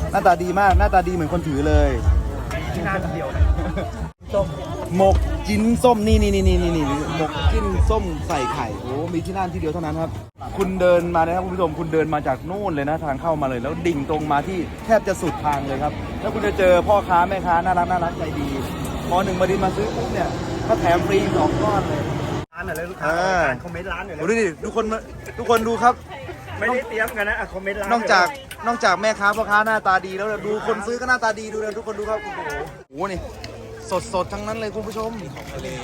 หน้าตาดีมากหน้าตาดีเหมือนคนถือเลยที่หน้าเดียวส้มหมกจิ้นส้มนี่หมกจิ้นส้มใส่ไข่โอ้มีที่นั่นที่เดียวเท่านั้นครับคุณเดินมานะครับคุณผู้ชมคุณเดินมาจากนู่นเลยนะทางเข้ามาเลยแล้วดิ่งตรงมาที่แทบจะสุดทางเลยครับแล้วคุณจะเจอพ่อค้าแม่ค้าน่ารักใจดีพอหนึ่งมาดินมาซื้อปุ๊บเนี่ยก็แถมฟรี2 ก้อนเลยร้านอะไรลูกค้าคอมเมนต์ร้านหน่อยดูดิทุกคนดูครับไม่ได้เตรียมกันนะคอมเมนต์ร้านนอกจากแม่ค้าพ่อค้าหน้าตาดีแล้วดูคนซื้อก็หน้าตาดีดูเลยทุกคนดูครับโอ้โหนี่สดทั้งนั้นเลยคุณผู้ชมของทะเล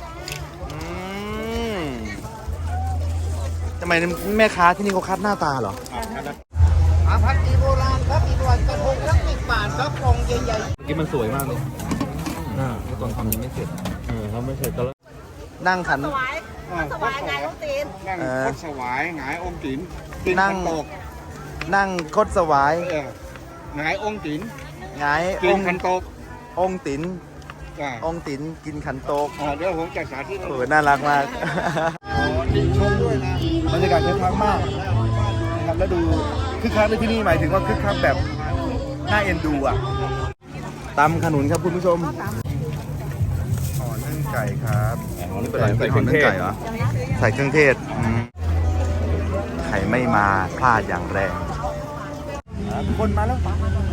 ทำไมแม่ค้าที่นี่เขาคัดหน้าตาเหรอผักอีโบราณครับอีโบราณกระทงละ10 บาทครับกล่องใหญ่ๆเมื่อกี้มันสวยมากเลยตอนทำยังไม่เสร็จทำไม่เสร็จแล้วนั่งขันสวายไงลูกตีนนั่งคดสวายหงายองค์ติ๋นนั่งคดสวายหงายองค์ติ๋นหงายกินขันโตกองค์ติ๋นกินขันโตกเดี๋ยวผมจะสาธิตน่ารักมากชมด้วยนะบรรยากาศคึกคักมากนะครับแล้วดูคึกคักในที่นี่หมายถึงว่าคึกคักแบบน่าเอ็นดูอ่ะตำขนุนครับคุณผู้ชมห่อนึ่งไก่ครับนี่เป็นอะไรห่อนึ่งไก่เหรอใส่เครื่องเทศไข่ไม่มาพลาดอย่างแรงคนมาแล้ว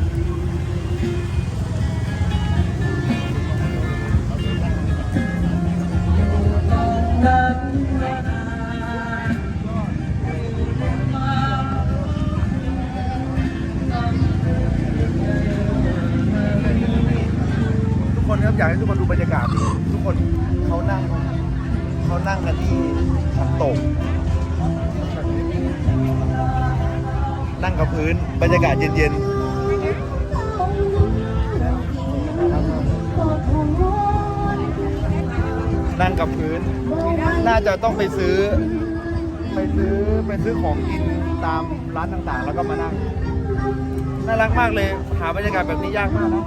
ทุกคนครับอยากให้ทุกคนดูบรรยากาศทุกคนเขานั่งกันที่น้ำตกนั่งกับพื้นบรรยากาศเย็นๆนั่งกับพื้นน่าจะต้องไปซื้อของกินตามร้านต่างๆแล้วก็มานั่งน่ารักมากเลยหาบรรยากาศแบบนี้ยากมากนะ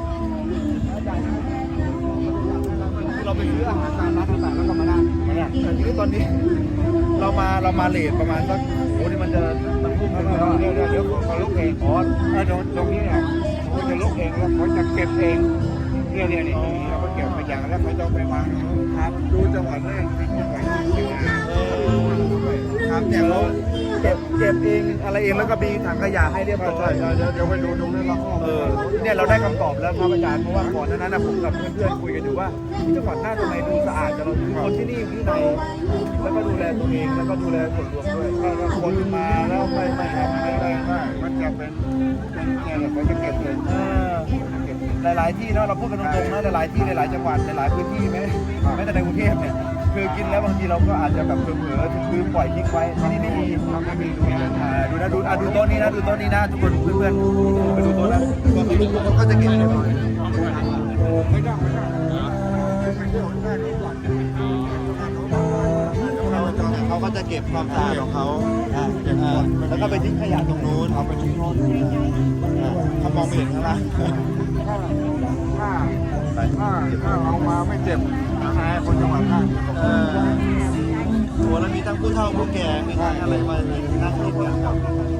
เราไปซื้ออาหารตามร้านต่างๆแล้วก็มานั่งแต่ทีนี้ตอนนี้เรามาเลทประมาณสักโอ้นี่มันพุ่งไปแล้วเดี๋ยวเขาลุกเองตรงนี้เนี่ยเขาจะลุกเองแล้วเขาจะเก็บเองเนี่ยเราก็เก็บไปอย่างแล้วเขาจะไปวางครับดูจังหวัดแรกที่จังหวัดครับเนี่ยเราเก็บเองอะไรเองแล้วก็มีถังขยะให้เรียบร้อยเดี๋ยวไปดูตรงนั้นละเนี่ยเราได้คำตอบแล้วครับอาจารย์เพราะว่าก่อนนั้นผมกับเพื่อนๆคุยกันอยู่ว่าจังหวัดน่าจะไหนดูสะอาดแต่เราคนที่นี่ที่ไหนแล้วก็ดูแลตัวเองแล้วก็ดูแลส่วนรวมด้วยถ้าคนมาแล้วไม่ทำไม่ได้มันจะเป็นเนี่ยเขาจะเก็บเลยหลายๆที่เนาะเราพูดกันตรงๆนะหลายๆที่หลายๆจังหวัดหลายพื้นที่แม้แต่ในกรุงเทพเนี่ยคือกินแล้วบางทีเราก็อาจจะแบบเผลอๆลืมปล่อยทิ้งไว้ที่นี่ไม่มีดูโต๊ะนี้นะทุกคนเพื่อนๆไปดูโต๊ะนะทุกคนก็จะกินเลยเขาก็จะเก็บความสะอาดของเขาแล้วก็ไปทิ้งขยะตรงนู้นเอาไปทิ้งโน้นเขามองไม่เห็นข้างล่างถ้าเอามาไม่เจ็บนายคนจังหวัดข้างตัวแล้วมีทั้งผู้เฒ่าผู้แก่มีทั้งอะไรมานั่งกินกันครับ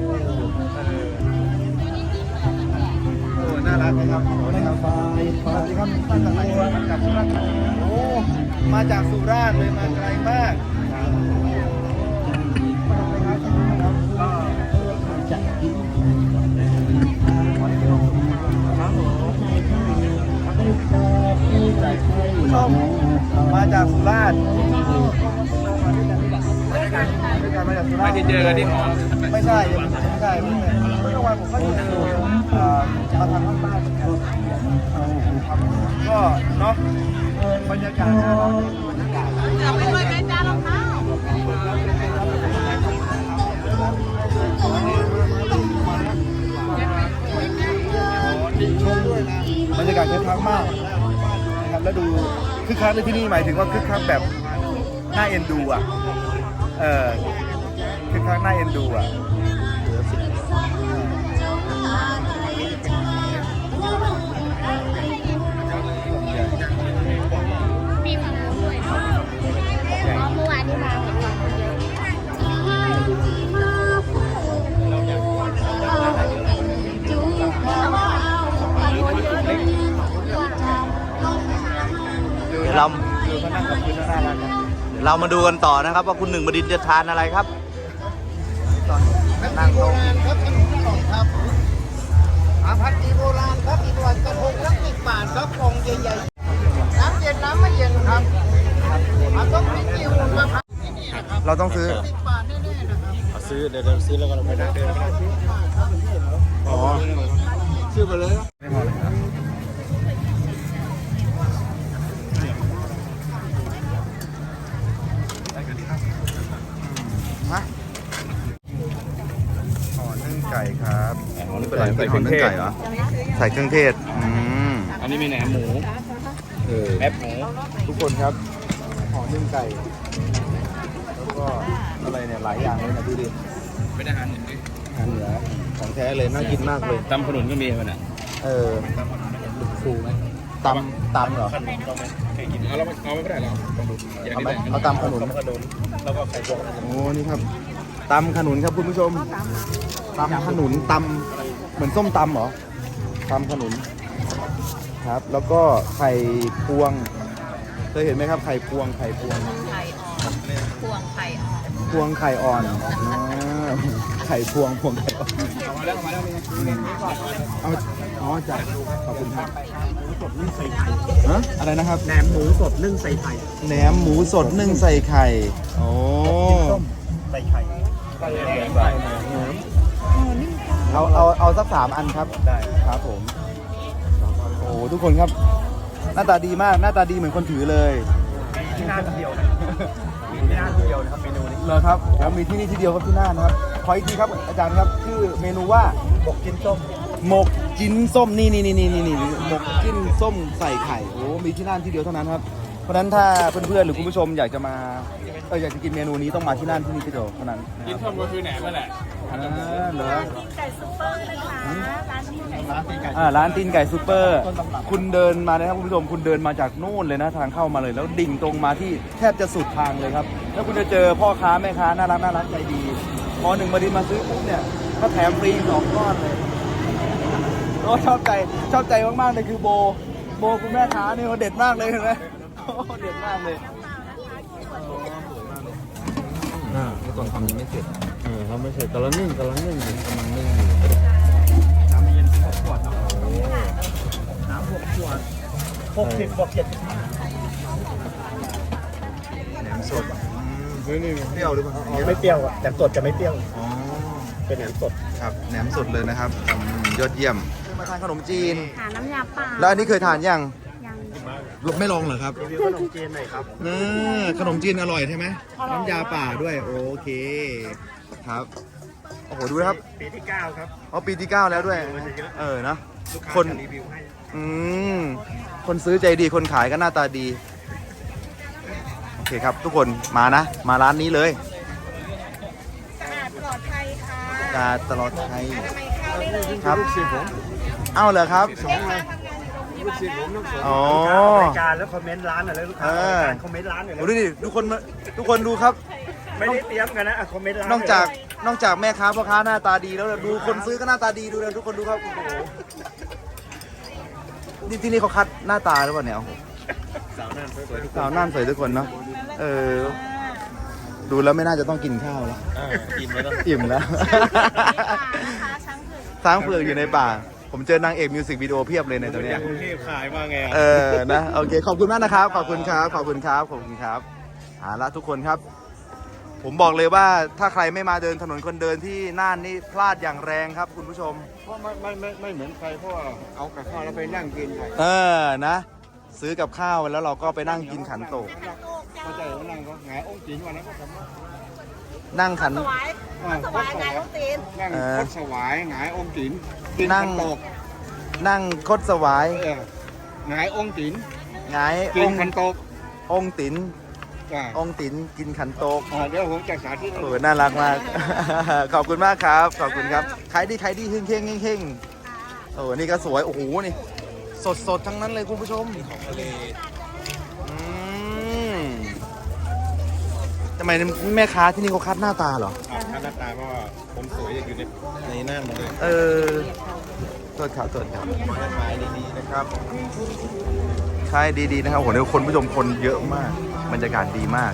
น่ารักนะครับสวัสดีครับมาจากไหนมาจากสุราษฎร์โอ้มาจากสุราษฎร์เลยมาไกลมากผู้ชมมาจากสุราษฎร์มาจากสุราษฎร์ไม่ได้เจอกันที่หอไม่ใช่เมื่อวานผมก็อยู่มาทางภาคใต้ก็เนาะบรรยากาศจะไปด้วยไหมจ้ารองเท้าบรรยากาศคึกคักมากนะครับแล้วดูคึกคักในที่นี่หมายถึงว่าคึกคักแบบน่าเอ็นดูอ่ะคึกคักน่าเอ็นดูอ่ะมีฝั่งนู้นด้วยเมื่อวานนี้มาเเราดูเขานั่งกับพื้นแล้วน่ารักนะเรามาดูกันต่อนะครับ ว่าคุณหนึ่งบดินทร์จะทานอะไรครับนั่งโต๊ะครับขนมกล่องครับผัดอีโบราณครับอีโบราณกระทงละ10 บาทครับกล่องใหญ่ๆน้ำเย็นน้ำไม่เย็นครับต้องพริกจิ้วมาพัดเราต้องซื้อ 10 บาทแน่ๆนะครับซื้อเดี๋ยวซื้อแล้วก็เราไปนั่งเดินไปนั่งอ๋อซื้อไปเลยไม่พอเลยครับมาห่อนึ่งไก่ครับนี่เป็นอะไรเป็นห่อนึ่งไก่เหรอ ใส่เครื่องเทศอันนี้มีแหนมหมูแอปหมูทุกคนครับห่อนึ่งไก่ แล้วก็อะไรเนี่ยหลายอย่างเลยนะดูดิเป็นอาหารหนึ่งดิอาหารเหนือของแท้เลยน่ากินมากเลยตำขนุนก็มีมันอ่ะฟูไหมตำเหรอขนุนต้องไหมเคยกินเอาไม่ได้หรอลองดูเอาไหมเอาตำขนุนขนุนแล้วก็ไข่พวกโอ้นี่ครับตำขนุนครับคุณผู้ชมตำขนุนตำเหมือนส้มตำเหรอตำขนุนครับ แล้วก็ไข่พวงเคยเห็นไหมครับไข่พวงไข่อ่อนพวงไข่อ่อนพวงไข่อ่อนไข่พวงไข่อ่อนเอาอ๋อจ้ะขอบคุณครับสดนึ่งใส่ไข่ฮะอะไรนะครับแหนมหมูสดนึ่งใส่ไข่แหนมหมูสดนึ่งใส่ไข่โอ้ใส่ไข่ใส่แหนมใส่แหนมเอาสัก3 อันครับได้ครับผมโอ้ทุกคนครับ หน้าตาดีมากหน้าตาดีเหมือนคนถือเลยที่น่านเดียวนะมีที่น่านเดียวนะครับเมนูนี้เหรอครับแล้วมีที่นี่ที่เดียวครับที่น่านนะครับขออีกทีครับอาจารย์ครับชื่อเมนูว่าบกกินส้มหมกจิ้นส้มนี่หมกจิ้นส้มใส่ไข่โอ้มีที่น่านที่เดียวเท่านั้นครับเพราะฉะนั้นถ้าเพื่อนๆหรือคุณผู้ชมอยากจะมาอยากจะกินเมนูนี้ต้องมาที่น่านที่นี่ที่เดียวเท่านั้นกินส้มก็คือแหนมนั่นแหละเหรอไก่ซุปเปอร์นะคะร้านนี้ไก่ร้านตีนไก่ร้านตีนไก่ซูเปอร์ คุณเดินมานะครับคุณผู้ชมคุณเดินมาจากนู่นเลยนะทางเข้ามาเลย แล้วดิ่งตรงมาที่แทบจะสุดทางเลยครับ แล้วคุณจะเจอพ่อค้าแม่ค้าน่ารักใจดีพอหนึ่งมาดินมาซื้อปุ๊บเนี่ยก็แถมฟรี2 ก้อนเลยโอ้ชอบใจมากๆเลยคือโบคุณแม่ค้าเนี่ยเขาเด็ดมากเลยเห็นไหมโอ้เด็ดมากเลยตอนทำยังไม่เสร็จเขาไม่เสร็จกำลังนึ่งอยู่น้ำเย็น6 ขวดเนาะน้ำ6 ขวด60 บวก 75 แหนมสดเปรี้ยวหรือเปล่าไม่เปรี้ยวอ่ะแต่สดจะไม่เปรี้ยวอ๋อเป็นแหนมสดครับแหนมสดเลยนะครับยอดเยี่ยมมาทานขนมจีนหาน้ำยาป่าแล้วอันนี้เคยทานยังยังไม่ลองเหรอครับรีวิวขนมจีนหน่อยครับขนมจีนอร่อยใช่ไหมน้ำยาป่าด้วยโอเคครับโอ้โหดูนะครับปีที่ 9 ครับอ๋อปีที่ 9 แล้วด้วยนะลูกค้าคนจะรีวิวให้คนซื้อใจดีคนขายก็หน้าตาดีโอเคครับทุกคนมานะมาร้านนี้เลยสะอาดปลอดภัยค่ะกาตลอดไทยทำไมเข้าได้เลยครับเอ้าเหรอครับแม่ค้าทำงานอยู่โรงพยาบาลนะคะอ๋อรายการแล้วคอมเมนต์ร้านหน่อยแล้วลูกค้ารายการคอมเมนต์ร้านหน่อยดูแล้วดิทุกคนดูครับไม่ได้เตรียมกันนะคอมเมนต์ร้านนอกจากแม่ค้าพ่อค้าหน้าตาดีแล้วดูคนซื้อก็หน้าตาดีดูเลยทุกคนดูครับโอ้โหนี่ที่นี่เขาคัดหน้าตาหรือเปล่าเนี่ยโอ้โหสาวนั่นสวยทุกสาวน่านสวยทุกคนเนาะดูแล้วไม่น่าจะต้องกินข้าวแล้วอิ่มแล้วอิ่มแล้วนะคะช้างเผือกช้างเผือกอยู่ในป่า ผมเจอนางเอกมิวสิกวิดีโอเพียบเลยในตัวเนี้ยกรุงเทพขายมาไงนะโอเคขอบคุณมากนะครับขอบคุณครับขอบคุณครับละทุกคนครับ ผมบอกเลยว่าถ้าใครไม่มาเดินถนนคนเดินที่น่านนี่พลาดอย่างแรงครับคุณผู้ชมเพราะไม่เหมือนใครเพราะว่าเอากับข้าวแล้วไปนั่งกินไงนะ ซื้อกับข้าวแล้วเราก็ไปนั่งกินขันโตกเข้าใจว่านั่งก็หงายองค์จีนวันนั้นก็ทำว่านั่งขันสวายสวายไก่ลูกตีนนั่งคดสวายหงายองค์จีนกินนั่งขันโตกนั่งคดสวายหงายองค์จีนหงายกิอน งค์ขันโตกองค์ติ๋นจ้ะองค์ติ๋นกินขันโตกเดี๋ยวผมจะสาธิตโอ้น่ารักมาก ขอบคุณมากครับขอบคุณครับขายดีเฮงโอ้นี่ก็สวยโอ้โหนี่สดทั้งนั้นเลยคุณผู้ชมของทะเลทำไมแม่ค้าที่นี่เขาคัดหน้าตาเหรอหน้าตาเพราะว่าผมสวยอยู่ในน่านหมดเลยโทษครับขายดีๆนะครับขายดีๆนะครับโหเดี๋ยวคนผู้ชมคนเยอะมากบรรยากาศดีมาก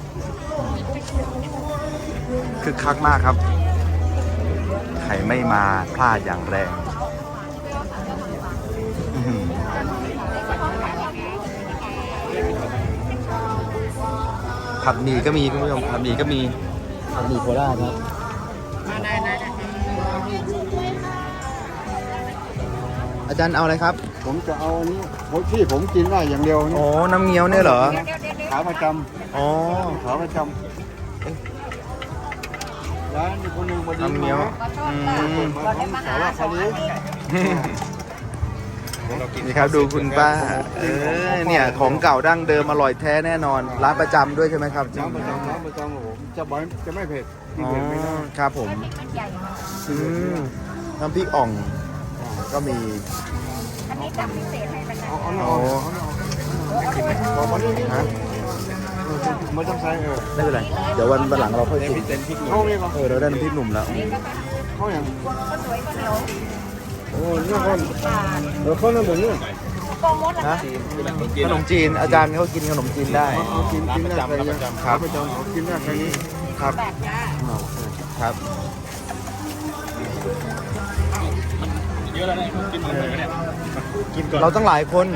คึกคักมากครับใครไม่มาพลาดอย่างแรงผัดหมี่ก็มีคุณผู้ชมผัดหมี่ก็มีผัดหมี่โคราชครับอาจารย์เอาอะไรครับผมจะเอาอันนี้ที่ผมกินได้อย่างเดียวนี่โอ้น้ำเงี้ยวเนี่ยเหรอขาประจอ๋อำขาประจำร้านนี้คนหนึ่งมาดีน้ำเงี้ยวมาของสาวคาลีนี่ครับดูคุณป้าเนี่ยของเก่าดั้งเดิมอร่อยแท้แน่นอนร้านประจำด้วยใช่ไหมครับร้านประจำผมจะไม่เผ็ดที่อ๋อเผ็ดไม่ได้ครับผมน้ำพริกอ่องก็มีอันนี้จับพิเศษให้นะคะบอกมานี่นี่ฮะไม่ต้องใส่ไม่เป็นไรเดี๋ยววันหลังเราค่อยชิมเข้านี่ก็เราได้น้ำพริกหนุ่มแล้วเข้าอย่างก็สวยก็เหนียวโอ้นี่คนเขานั่นแบบนี้โปรโมทฮะขนมจีนอาจารย์เขากินขนมจีนได้เขากินได้ใครขาประจำเขากินได้ใครนี้ครับแบบจ้าครับ เราตั้งหลายคน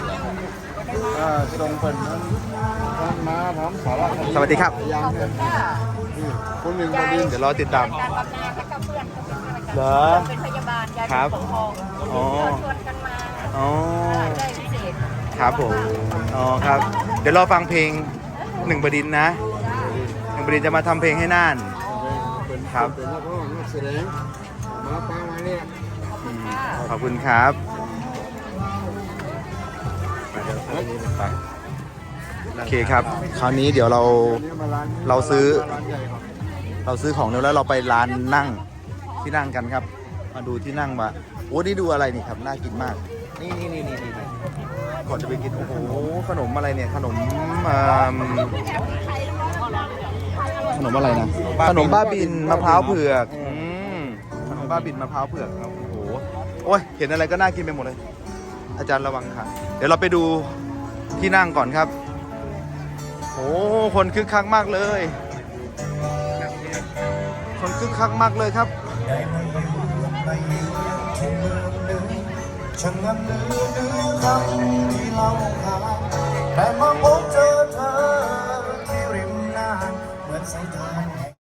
ตรงเป็นนั้นมาทำสาระสวัสดีครับยังคนหนึ่งมาดีเดี๋ยวรอติดตามการบำนาญและก็เพื่อนเหรอเป็นพยาบาลยายครับปกครองอ๋อชวนกันมาอ๋อได้พิเศษครับผม อ๋อครับ เดี๋ยวรอฟังเพลงหนึ่งบดินทร์นะหนึ่งบดินทร์จะมาทำเพลงให้น่าน ครับเป็นนักร้องนักแสดงมาปามาเนี่ยขอบคุณครับโอเคครับ คราวนี้เดี๋ยวเราซื้อของแล้วเราไปร้านนั่งที่นั่งกันครับ มาดูที่นั่งมาโอ้นี่ดูอะไรนี่ครับน่ากินมากนี่ก่อนจะไปกินโอ้โหขนมอะไรเนี่ยขนมอะไรนะขนมบ้าบินมะพร้าวเผือกขนมบ้าบินมะพร้าวเผือกครับโอ้โหโอ้ยเห็นอะไรก็น่ากินไปหมดเลย อาจารย์ระวังค่ะเดี๋ยวเราไปดูที่นั่งก่อนครับโอ้คนคึกคักมากเลยคนคึกคักมากเลยครับฉันนั้นลืมคำที่เราขาดแต่มาพบเจอเธอที่ริมน้ำเหมือนสายต